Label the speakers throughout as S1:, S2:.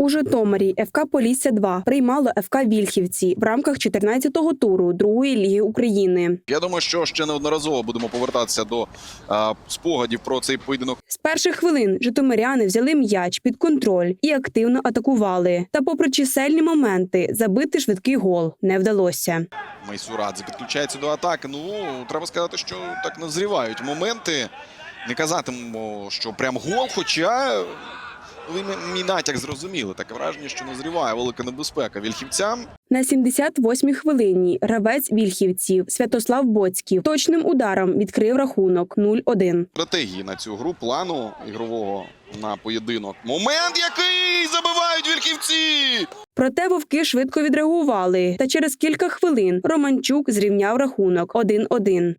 S1: У Житомирі ФК «Полісся-2» приймало ФК «Вільхівці» в рамках 14-го туру Другої ліги України.
S2: Я думаю, що ще неодноразово будемо повертатися до спогадів про цей поєдинок.
S1: З перших хвилин житомиряни взяли м'яч під контроль і активно атакували. Та попри чисельні моменти, забити швидкий гол не вдалося.
S2: Майсурадзе підключається до атаки. Ну, треба сказати, що так назрівають моменти. Не казатимемо, що прям гол, хоча ви мій натяк зрозуміли. Таке враження, що назріває велика небезпека вільхівцям.
S1: На 78-й хвилині гравець вільхівців Святослав Боцьків точним ударом відкрив рахунок 0-1.
S2: Стратегії на цю гру, плану ігрового на поєдинок. Момент, який забивають вільхівці!
S1: Проте вовки швидко відреагували. Та через кілька хвилин Романчук зрівняв рахунок 1-1.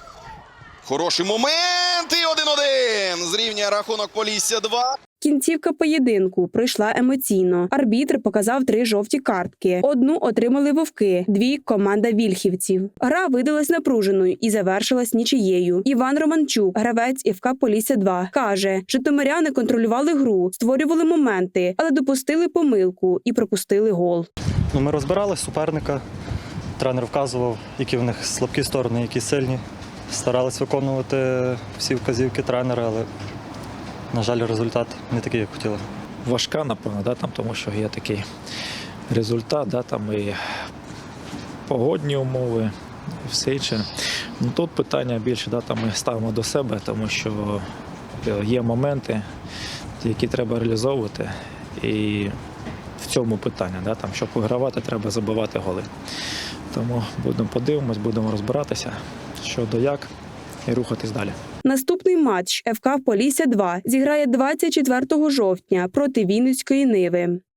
S2: Хороший момент і 1-1! Зрівнює рахунок Полісся-2.
S1: Кінцівка поєдинку пройшла емоційно. Арбітр показав 3 жовті картки. Одну отримали вовки, 2 – команда вільхівців. Гра видалась напруженою і завершилась нічиєю. Іван Романчук, гравець ФК «Полісся-2», каже, житомиряни контролювали гру, створювали моменти, але допустили помилку і пропустили гол.
S3: Ми розбирали суперника, тренер вказував, які в них слабкі сторони, які сильні. Старались виконувати всі вказівки тренера, але, на жаль, результат не такий, як хотіли.
S4: Важка, напевно, тому що є такий результат, там і погодні умови, і все інше. Тут питання більше, ми ставимо до себе, тому що є моменти, які треба реалізовувати. І в цьому питання, щоб вигравати, треба забивати голи. Тому подивимось, будемо розбиратися, що до як, і рухатись далі.
S1: Наступний матч ФК «Полісся-2» зіграє 24 жовтня проти Вінницької Ниви.